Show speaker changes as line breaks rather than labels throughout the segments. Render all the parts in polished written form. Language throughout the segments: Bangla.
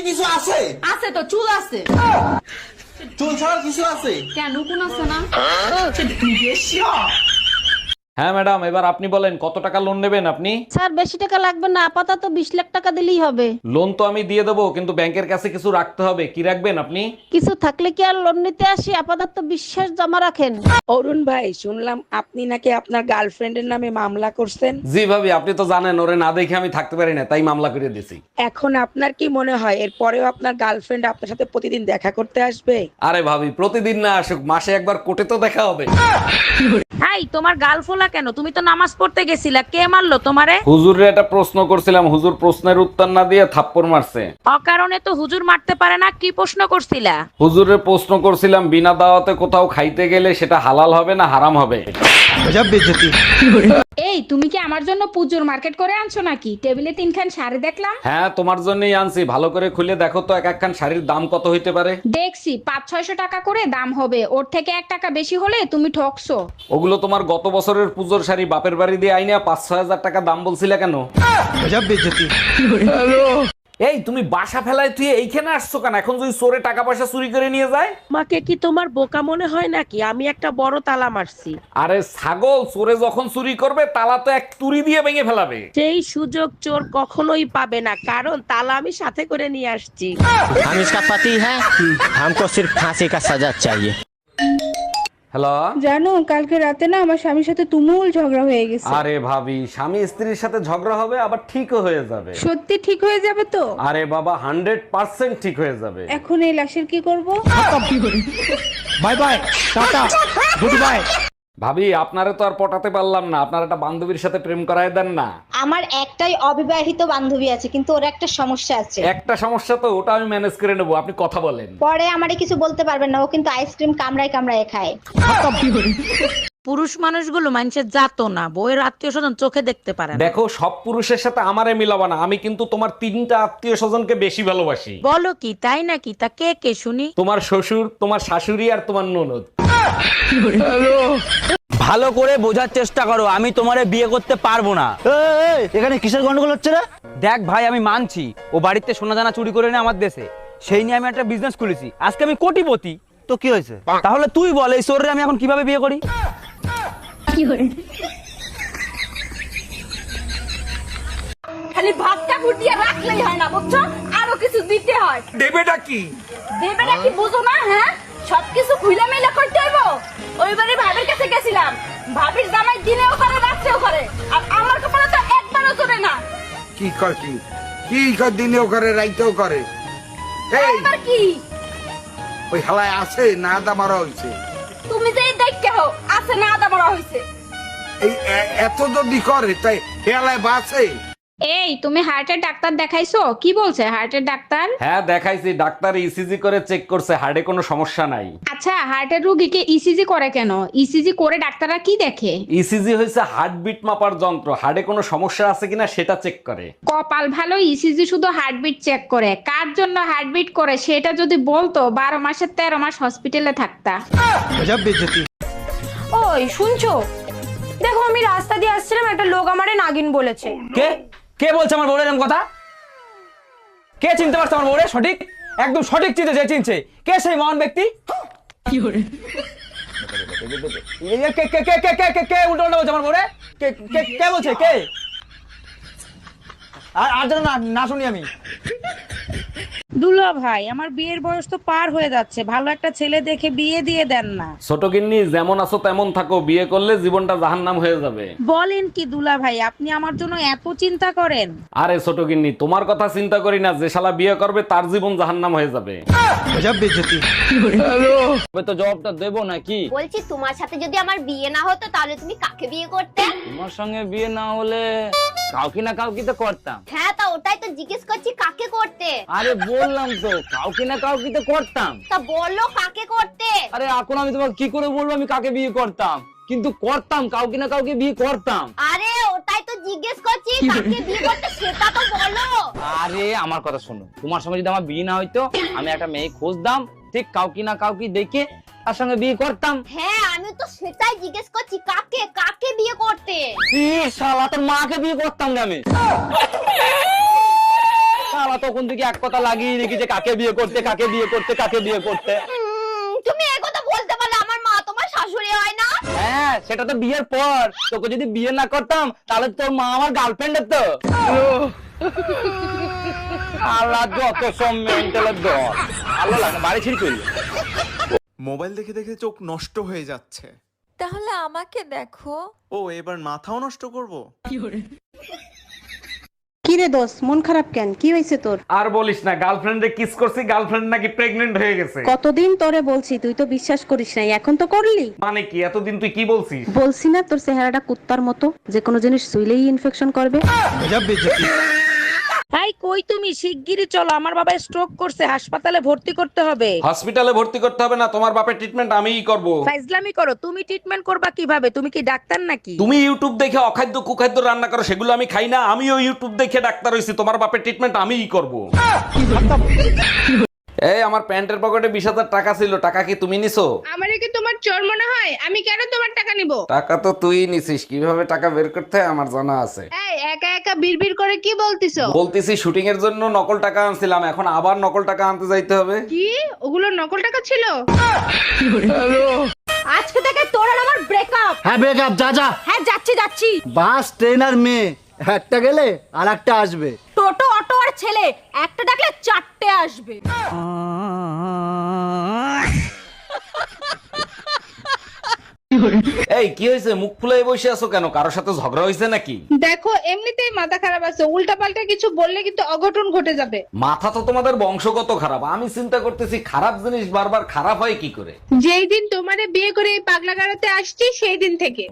কিছু আছে?
আছে তো, চুল আছে।
চুল ছাড়া কিছু আছে?
কেন, কোন আছে না?
হ্যাঁ ম্যাডাম, এবার আপনি বলেন কত টাকা লোন নেবেন আপনি?
স্যার বেশি টাকা লাগবে না, আপাতত 20 লাখ টাকা দিলেই হবে।
লোন তো আমি দিয়ে দেবো, কিন্তু ব্যাংকের কাছে কিছু রাখতে হবে। কি রাখবেন আপনি?
কিছু থাকলে কি আর লোন নিতে আসি, আপাতত বিশ্বাস জমা রাখেন।
অরুণ ভাই, শুনলাম আপনি নাকি আপনার গার্লফ্রেন্ডের নামে মামলা করছেন।
জি ভাবি, আপনি তো জানেন ওরে না দেখে আমি থাকতে পারি না, তাই মামলা করে দিয়েছি।
এখন আপনার কি মনে হয় এরপরেও আপনার গার্লফ্রেন্ড আপনার সাথে প্রতিদিন দেখা করতে আসবে?
আরে ভাবি, প্রতিদিন না আসুক, মাসে একবার কোর্টে তো দেখা হবে।
এই তোমার গালফোলা কেন? তুমি তো নামাজ পড়তে গেছিলা, কে মারলো তোমারে?
হুজুরে একটা প্রশ্ন করছিলাম, হুজুর প্রশ্নের উত্তর না দিয়ে থাপ্পড় মারছে।
অকারণে তো হুজুর মারতে পারে না, কি প্রশ্ন করছিলা?
হুজুরের প্রশ্ন করছিলাম, বিনা দাওয়াতে কোথাও খাইতে গেলে সেটা হালাল হবে না হারাম হবে?
এই, তুমি কি আমার জন্য পুজোর মার্কেট করে আনছো নাকি? টেবিলে 3খান শাড়ি দেখলাম।
হ্যাঁ, তোমার জন্যই আনছি। ভালো করে খুলে দেখো তো এক একখান শাড়ির দাম কত হইতে পারে।
দেখছি 500-600 টাকা করে দাম হবে, ওর থেকে 1 টাকা বেশি হলে তুমি ঠকছো।
ওগুলো তোমার গত বছরের পুজোর শাড়ি, বাপের বাড়ি দিয়ে আইনা 5-6 হাজার টাকা দাম বলছিলে কেন? এই তুমি বাসা ফেলায় তুই এইখানে আসছো কেন? এখন যদি চোরে টাকা পয়সা চুরি করে নিয়ে যায়?
আমাকে কি তোমার বোকা মনে হয় নাকি? আমি একটা বড় তালা মারছি।
আরে ছাগল, চোরে যখন চুরি করবে তালা তো এক তুড়ি দিয়ে ভেঙে ফেলাবে।
সেই সুযোগ চোর কখনোই পাবে না, কারণ তালা আমি সাথে করে নিয়ে আসছি।
हम इसका पति है, हमको सिर्फ फांसी का सजा चाहिए।
হ্যালো।
জানো, কালকে রাতে না আমার স্বামীর সাথে তুমুল ঝগড়া হয়ে গেছে।
আরে ভাবি, স্বামী স্ত্রীর সাথে ঝগড়া হবে আবার ঠিকও হয়ে যাবে।
সত্যি ঠিক হয়ে যাবে তো?
আরে বাবা, 100% ঠিক হয়ে যাবে।
এখন এই লাশের কি করব?
Bye bye, tata, goodbye.
ভাবি, আপনারে তো আর পটাতে পারলাম না, আপনার একটা বান্ধবীর সাথে প্রেম করায় দেন না।
আমার একটাই অবিবাহিত বান্ধবী আছে, কিন্তু ওর একটা সমস্যা আছে।
একটা সমস্যা তো, ওটা আমি ম্যানেজ করে নেবো, আপনি কথা বলেন।
পরে আমারে কিছু বলতে পারবেন না, ও কিন্তু আইসক্রিম কামড়ায় কামড়ায় খায়।
পুরুষ মানুষগুলো মানুষের জাতো না, বউয়ের আত্মীয় স্বজন চোখে দেখতে পারে না।
দেখো, সব পুরুষের সাথে আমারে মিলাবা না, আমি কিন্তু তোমার 3টা আত্মীয় স্বজনকে বেশি ভালোবাসি।
বলো কি, তাই নাকি? তা কে কে শুনি?
তোমার শ্বশুর, তোমার শাশুড়ি আর তোমার ননদ।
ভালো করে বোঝার চেষ্টা করো, আমি তোমারে বিয়ে করতে পারবো না। এখানে কিসের গন্ডগোল হচ্ছে রে? দেখ ভাই, আমি মানছি ও বাড়িতে সোনা দানা চুরি করে এনে আমার দেশে, সেই নিয়ে আমি একটা বিজনেস খুলেছি, আজকে আমি কোটিপতি। তো কি হয়েছে? তাহলে তুই বল, এই চোররে আমি এখন কিভাবে বিয়ে করি?
খালি ভাতটা ফুটিয়ে রাখলেই হয় না, বুঝছো? আরো কিছু দিতে হয়।
দেবেটা কি?
দেবেটা কি বুঝো না? হ্যাঁ, সবকিছু খুইলা মেলা করতে হইব। ওইবারে ভাবির কাছে গেছিলাম, ভাবির জামাই দিনেও করে রাত্রেও করে, আর আমার কপালে তো একবারও জোরে না।
কি কর কি? কি কর, দিনেও করে রাইতেও করে? এই
এবার কি?
ওই হালায় আছে না আদা মারা হইছে?
তুমি যে দেখতে হও আছে না আদা মরা হইছে।
এই এত যদি করে তাই হেলায় বাঁচে?
এই, তুমি হার্টের ডাক্তার দেখাইছো? কি বলছে হার্টের ডাক্তার?
হ্যাঁ দেখাইছি, ডাক্তার ইসিজি করে চেক করছে, হার্টে কোনো সমস্যা নাই।
আচ্ছা, হার্টের রোগীকে ইসিজি করে কেন? ইসিজি করে ডাক্তাররা কি দেখে?
ইসিজি হয়েছে হার্টবিট মাপার যন্ত্র, হার্টে কোনো সমস্যা আছে কিনা সেটা চেক করে।
কপাল ভালো, ইসিজি শুধু হার্টবিট চেক করে। কার জন্য হার্টবিট করে সেটা যদি বলতো, 12 মাসের 13 মাস হসপিটালে থাকতা।
ওই শুনছো? দেখো, আমি রাস্তা দিয়ে আসছিলাম, একটা লোক আমারে নাগিন বলেছে।
কে কে বলছে আমার বউরের এরকম কথা? কে চিনতে পারছে আমার বউরে? সঠিক, একদম সঠিক চিনতে, যে চিনছে কে সেই মহান ব্যক্তি? কি করে কে কে কে কে কে কে কে উল্টো উল্টো বলছে আমার বউরে? কে কে কে বলছে? কে? আর যেন না শুনি আমি।
দুলা ভাই, আমার বিয়ের বয়স তো পার হয়ে যাচ্ছে, ভালো একটা ছেলে দেখে বিয়ে দিয়ে দেন না।
ছোট গিন্নি, যেমন আছো তেমন থাকো, বিয়ে করলে জীবনটা জাহান্নাম হয়ে যাবে।
বলেন কি দুলা ভাই, আপনি আমার জন্য এত চিন্তা করেন?
আরে ছোট গিন্নি, তোমার কথা চিন্তা করি না, যে শালা বিয়ে করবে তার জীবন জাহান্নাম হয়ে যাবে।
তো জবাবটা দেবো নাকি?
বলছি, তোমার সাথে যদি আমার বিয়ে না হতো তাহলে তুমি কাকে বিয়ে করতে?
তোমার সঙ্গে বিয়ে না হলে কাউকে না কাউকে তো করতাম।
হ্যাঁ, তা ওটাই তো জিজ্ঞেস করছি, কাকে করতে?
আরে বললাম তো, কাউকে না কাউকে তো করতাম।
তা বললো কাকে করতে?
আরে এখন আমি তোমাকে কি করে বলবো আমি কাকে বিয়ে করতাম? কিন্তু করতাম, কাউকে না কাউকে বিয়ে করতাম।
আরে ওটাই তো জিজ্ঞেস করছি, কাকে বিয়ে করতে সেটা তো বলো।
আরে আমার কথা শোনো, তোমার সঙ্গে যদি আমার বিয়ে না হইতো, আমি একটা মেয়ে খুঁজতাম, ঠিক কাউকে না কাউকে দেখে তার সঙ্গে বিয়ে করতাম।
হ্যাঁ, আমি তো সেটাই জিজ্ঞেস করছি, কাকে কাকে বিয়ে করতে?
শালা, তোর মাকে বিয়ে করতাম না আমি। শালা তখন থেকে এক কথা লাগিয়ে রেখে যে কাকে বিয়ে করতে কাকে বিয়ে করতে কাকে বিয়ে করতে।
তুমি এই কথা বলতে পারলে আমার মা তোমার শাশুড়ি হয় না?
হ্যাঁ সেটা তো বিয়ের পর, তোকে যদি বিয়ে না করতাম তাহলে তোর মা আমার গার্লফ্রেন্ড তো। আল্লাহ যত সব মেন্টালের দল, আল্লাহ লাগে বাড়ি ছিড়ি চলল।
মোবাইল দেখে দেখে চোখ নষ্ট হয়ে যাচ্ছে।
তাহলে আমাকে দেখো।
ও এবার মাথাও নষ্ট করব?
কি রে দোস্ত, মন খারাপ কেন? কি হয়েছে তোর?
আর বলিস না, গার্লফ্রেন্ডে কিস করছি, গার্লফ্রেন্ড নাকি প্রেগনেন্ট হয়ে গেছে।
কতদিন তোরে বলছি, তুই তো বিশ্বাস করিস নাই, এখন তো করলি।
মানে কি এতদিন তুই কি বলছিস?
বলছি না তোর চেহারাটা কুত্তার মতো, যে কোনো জিনিস শুইলেই ইনফেকশন করবে। এই কই তুমি? শিগগিরই চলো, আমার বাবা স্ট্রোক করছে, হাসপাতালে ভর্তি করতে হবে।
হসপিটালে ভর্তি করতে হবে না, তোমার বাপের ট্রিটমেন্ট আমিই করব।
ফাইজলামি করো, তুমি ট্রিটমেন্ট করবা কিভাবে? তুমি কি ডাক্তার নাকি?
তুমি ইউটিউব দেখে অখাদ্য কুখাদ্য রান্না করো, সেগুলো আমি খাই না। আমিও ইউটিউব দেখে ডাক্তার হইছি, তোমার বাপের ট্রিটমেন্ট আমিই করব। এই আমার প্যান্টের পকেটে 20,000 টাকা ছিল, টাকা কি তুমি নিছো?
আমারে কি তোমার চোর মনে হয়? আমি কেন তোমার টাকা নিব?
টাকা তো তুই নিছিস, কিভাবে টাকা বের করতে হয় আমার জানা আছে।
এই একা একা বিড়বিড় করে কি বলতিছো?
বলতেছি শুটিং এর জন্য নকল টাকা আনছিলাম, এখন আবার নকল টাকা আনতে যাইতে হবে।
কি ওগুলো নকল টাকা ছিল?
আজকে থেকে তোর আর আমার ব্রেকআপ।
হ্যাঁ ব্রেকআপ, যা যা।
হ্যাঁ যাচ্ছি।
বাস ট্রেন আর মেয়ে, একটা গেলে আর একটা আসবে।
টোটো অটো আর ছেলে, একটা ডাকলে 4টে আসবে।
এই কি হয়েছে, মুখ ফুলে বসে আছো কেন? কারোর সাথে ঝগড়া হয়েছে নাকি?
দেখো এমনিতেই মাথা খারাপ আছে, উল্টাপাল্টা কিছু বললে কিন্তু অঘটন ঘটে যাবে।
মাথা তো তোমাদের বংশগত খারাপ। আমি চিন্তা করতেছি খারাপ জিনিস বারবার খারাপ হয় কি করে।
যেই দিন তোমারে বিয়ে করে এই পাগলা গাড়াতে আসছি সেই দিন থেকে।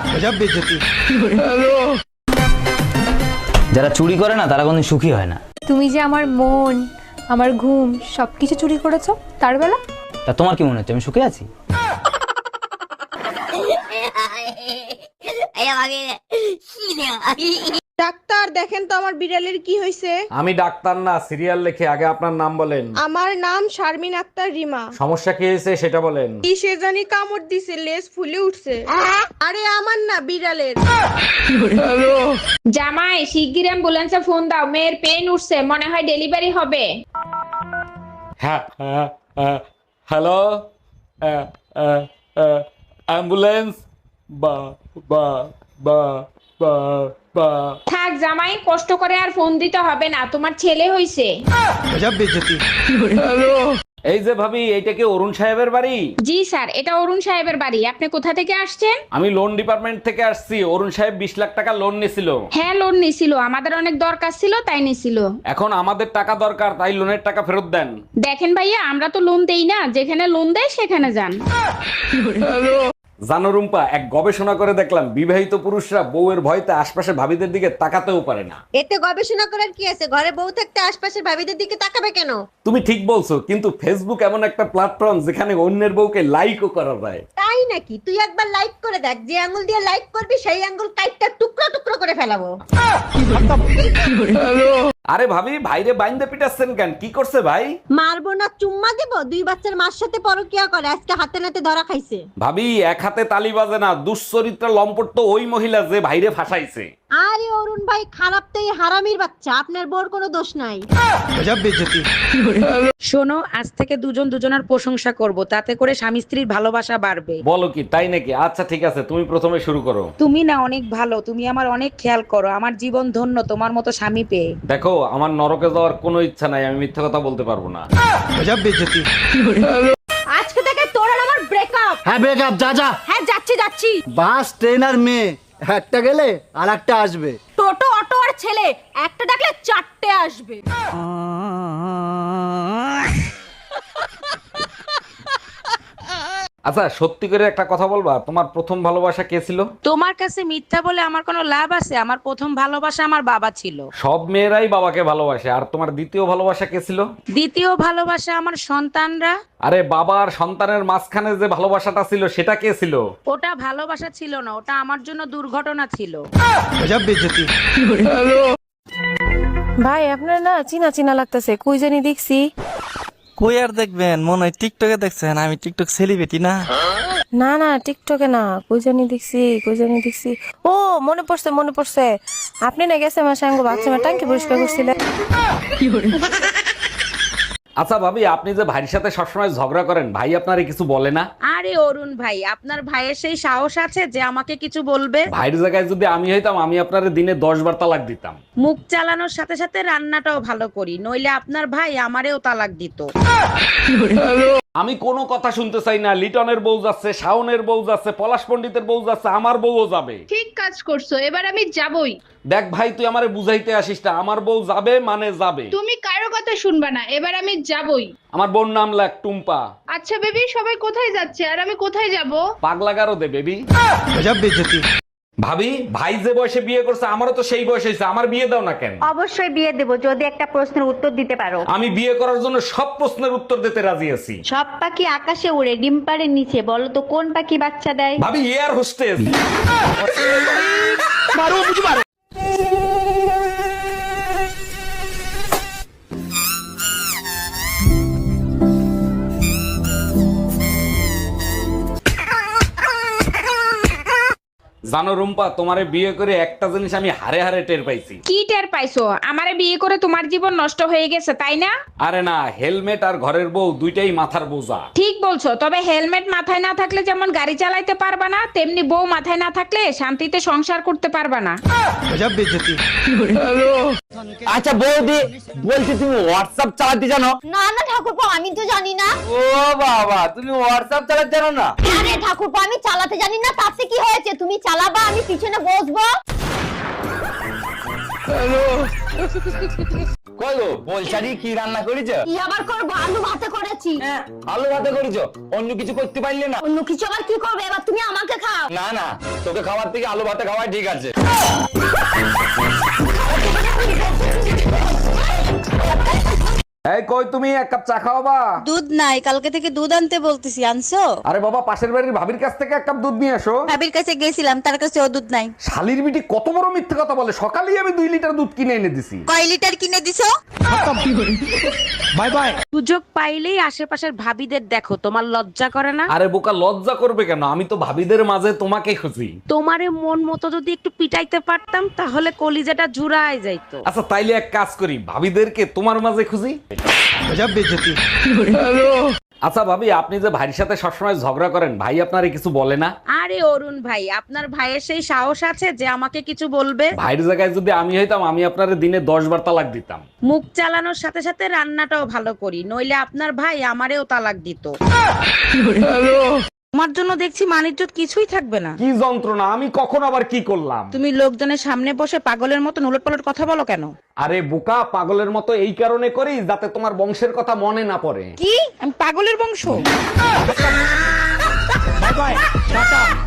যারা চুরি করে না তারা কোনদিন সুখী হয় না।
তুমি যে আমার মন, আমার ঘুম সবকিছু চুরি করেছো, তার বেলা
তা তোমার কি মনে হচ্ছে আমি সুখে আছি?
ডাক্তার দেখেন তো আমার বিড়ালের কি হয়েছে।
আমি ডাক্তার না, সিরিয়াল লেখে। আগে আপনার নাম বলেন।
আমার নাম শারমিন আক্তার রিমা।
সমস্যা কি হয়েছে সেটা বলেন।
কি সে জানি কামড় দিছে, লেজ ফুলে উঠছে। আরে আমার না, বিড়ালের। জামাই শিগগির অ্যাম্বুলেন্সে ফোন দাও, মেয়ের পেন উঠছে, মনে হয় ডেলিভারি হবে।
হ্যাঁ হ্যালো, অ্যাম্বুলেন্স। বা বা বা বা বা
থাক জামাই, কষ্ট করে আর ফোন দিতে হবে না, তোমার ছেলে হইছে।
এই যে ভাবি, এইটা কি অরুণ সাহেবের বাড়ি?
জি স্যার, এটা অরুণ সাহেবের বাড়ি। আপনি কোথা থেকে আসছেন?
আমি লোন ডিপার্টমেন্ট থেকে আসছি। অরুণ সাহেব 20 লাখ টাকা লোন নিছিল।
হ্যাঁ লোন নিছিল, আমাদের অনেক দরকার ছিল তাই নিছিল।
এখন আমাদের টাকা দরকার, তাই লোনের টাকা ফেরত দেন।
দেখেন ভাইয়া, আমরা তো লোন দেই না, যেখানে লোন দেয় সেখানে যান।
জানো রুম্পা, এক গবেষণা করে দেখলাম বিবাহিত পুরুষরা বউয়ের ভয়তে আশপাশে ভাবিদের দিকে তাকাতেও পারে না।
এতে গবেষণা করার কি আছে? ঘরে বউ থাকতে আশপাশের ভাবিদের দিকে তাকাবে কেন?
তুমি ঠিক বলছো, কিন্তু ফেসবুক এমন একটা প্ল্যাটফর্ম যেখানে অন্যের বউকে লাইকও করা যায়।
তাই নাকি? তুই একবার লাইক করে দেখ, যে আঙ্গুল দিয়ে লাইক করবি সেই আঙ্গুল কাইটটা টুকরো টুকরো করে ফেলাবো।
আরে ভাবি, ভাইরে বাইন্দে পিটাচ্ছেন কেন? কি করছে ভাই?
মারবো না, চুম্মা দেব? 2 বাচ্চার মার সাথে পরকিয়া করে, আজকে হাতে নাতে ধরা খাইছে।
ভাবি, এক হাতে তালি বাজে না। দুশ্চরিত্রা লম্পট তো ওই মহিলা যে ভাইরে ফাঁসাইছে।
আরে অরুণ ভাই, খারাপ তো এই হারামির বাচ্চা, আপনার বোর কোনো দোষ নাই।
শোনো, আজ থেকে দুজন দুজনের প্রশংসা করব, তাতে করে স্বামী স্ত্রীর ভালোবাসা বাড়বে।
বলো কি, তাই নাকি? আচ্ছা ঠিক আছে, তুমি প্রথমে শুরু করো।
তুমি না অনেক ভালো, তুমি আমার অনেক খেয়াল করো, আমার জীবন ধন্য তোমার মতো স্বামী পেয়ে।
দেখো, আমার নরকে যাওয়ার কোনো ইচ্ছা নাই, আমি মিথ্যা কথা বলতে পারবো না।
আজকে থেকে তোর আর আমার ব্রেকআপ।
হ্যাঁ ব্রেকআপ, যা যা।
হ্যাঁ যাচ্ছি।
বাস ট্রেন আর মেয়ে, একটা গেলে আর একটা আসবে।
টোটো অটো আর ছেলে, একটা ডাকলে 4টে আসবে।
আচ্ছা সত্যি করে একটা কথা বলবা, তোমার প্রথম ভালোবাসা কে ছিল?
তোমার কাছে মিথ্যা বলে আমার কোনো লাভ আছে? আমার প্রথম ভালোবাসা আমার বাবা ছিল।
সব মেয়েরাই বাবাকে ভালোবাসে। আর তোমার দ্বিতীয় ভালোবাসা কে ছিল?
দ্বিতীয় ভালোবাসা আমার সন্তানরা।
আরে বাবা আর সন্তানের মাঝখানে যে ভালোবাসাটা ছিল সেটা কে ছিল?
ওটা ভালোবাসা ছিল না, ওটা আমার জন্য দুর্ঘটনা ছিল।
ভাই আপনার না চিনা চিনা লাগতেছে, কই জানি দেখছি।
কই আর দেখবেন, মনে হয় টিকটকে দেখছেন, আমি টিকটক সেলিব্রিটি না।
না না টিকটকে না, কই জানি দেখছি। ও মনে পড়ছে আপনি না গেছে আমার সঙ্গে বাথরুমে ট্যাঙ্কি পরিষ্কার করছিলেন।
আচ্ছা ভাবি, আপনি যে ভাইয়ের সাথে সবসময় ঝগড়া করেন, ভাই আপনারে কিছু বলে না?
আরে অরুণ ভাই, আপনার ভাইয়ের সেই সাহস আছে যে আমাকে কিছু বলবে?
ভাইয়ের জায়গায় যদি আমি হইতাম, আমি আপনারে দিনে 10 বার তালাক দিতাম।
মুখ চালানোর সাথে সাথে রান্নাটাও ভালো করি, নইলে আপনার ভাই আমারেও তালাক দিত।
আমি কোনো কথা শুনতে চাই না। লিটনের বউ যাচ্ছে, শাওনের বউ যাচ্ছে, পলাশ পণ্ডিতের বউ যাচ্ছে, আমার বউও যাবে।
ঠিক কাজ করছো, এবার আমি যাবই।
দেখ ভাই, তুই আমারে বুঝাইতে আসিস না, আমার বউ যাবে মানে যাবে।
তুমি কারো কথা শুনবা না, এবার আমি যাবই।
আমার বোন নাম লাগ টুম্পা।
আচ্ছা বেবি, সবাই কোথায় যাচ্ছে আর আমি কোথায় যাব?
পাগলা গারো দে বেবি। ভাবি, ভাই যে বয়সে বিয়ে করছে, আমারও তো সেই বয়স হয়েছে, আমার বিয়ে দাও না কেন?
অবশ্যই বিয়ে দেবো যদি একটা প্রশ্নের উত্তর দিতে পারো।
আমি বিয়ে করার জন্য সব প্রশ্নের উত্তর দিতে রাজি আছি।
সব পাখি আকাশে উড়ে, ডিম পাড়ের নিচে, বলো তো কোন পাখি বাচ্চা দেয়?
ভাবি, এয়ার হোস্টেস। জানো রুম্পা, তোমারে বিয়ে করে একটা জিনিস আমি হারে হারে টের পাইছি।
কি টের পাইছো? আমারে বিয়ে করে তোমার জীবন নষ্ট হয়ে গেছে তাই না?
আরে না, হেলমেট আর ঘরের বউ দুইটাই মাথার বোঝা।
ঠিক বলছো, তবে হেলমেট মাথায় না থাকলে যেমন গাড়ি চালাইতে পারবা না, তেমনি বউ মাথায় না থাকলে শান্তিতে সংসার করতে পারবা না।
আচ্ছা বৌদি, বলছি তুমি হোয়াটসঅ্যাপ চালাতে জানো?
না না ঠাকুরপো, আমি তো জানি না।
ও বাবা, তুমি হোয়াটসঅ্যাপ চালাতে জানো না?
আরে ঠাকুরপো, আমি চালাতে জানি না, তাতে কি হয়েছে? তুমি চালাবা, আমি পিছনে বসবো।
কই গো, বলছারি কি রান্না করেছো?
কি আবার করবো? আলু ভাতে করেছি।
আলু ভাতে করেছো, অন্য কিছু করতে পারলে না?
অন্য কিছু আবার কি করবে? এবার তুমি আমাকে খাও।
না না, তোকে খাওয়ার থেকে আলু ভাতে খাওয়াই ঠিক আছে।
এই কই তুমি, এক কাপ চা খাওয়াবা?
দুধ নাই, কালকে থেকে দুধ আনতে বলতেছি, আনছো?
আরে বাবা, পাশের বাড়ির ভাবির কাছ থেকে এক কাপ দুধ নিয়ে এসো।
ভাবির কাছে গেছিলাম, তার কাছে ও দুধ নাই।
শালির বিটি কত বড় মিথ্যে কথা বলে, সকালেই আমি 2 লিটার দুধ কিনে এনে দিছি।
কয় লিটার কিনে দিছো?
Bye bye.
সুযোগ পাইলেই আশেপাশের ভাবিদের দেখো, তোমার লজ্জা করে না?
আরে বোকা, লজ্জা করবে কেন? আমি তো ভাবিদের মাঝে তোমাকে খুঁজি।
তোমারে মন মতো যদি একটু পিটাইতে পারতাম, তাহলে কলিজাটা জুড়ায় যাইতো।
আচ্ছা তাইলে এক কাজ করি, ভাবিদেরকে তোমার মাঝে খুঁজি। আচ্ছা ভাবি, আপনি যে ভাইয়ের সাথে সবসময় ঝগড়া করেন, ভাই আপনারে কিছু বলে না?
আরে অরুণ ভাই, আপনার ভাইয়ের সেই সাহস আছে যে আমাকে কিছু বলবে?
ভাইয়ের জায়গায় যদি আমি হইতাম, আমি আপনারে দিনে 10 বার তালাক দিতাম।
মুখ চালানোর সাথে সাথে রান্নাটাও ভালো করি, নইলে আপনার ভাই আমারেও তালাক দিত। তোমার জন্য দেখছি মানিজ্জত কিছুই থাকবে না।
কি যন্ত্রণা, আমি কখন আবার কি করলাম?
তুমি লোকজনের সামনে বসে পাগলের মতো উলটপালট কথা বলো কেন?
আরে বোকা, পাগলের মতো এই কারণে করি যাতে তোমার বংশের কথা মনে না পড়ে।
কি আমি পাগলের বংশ?
Bye bye, tata.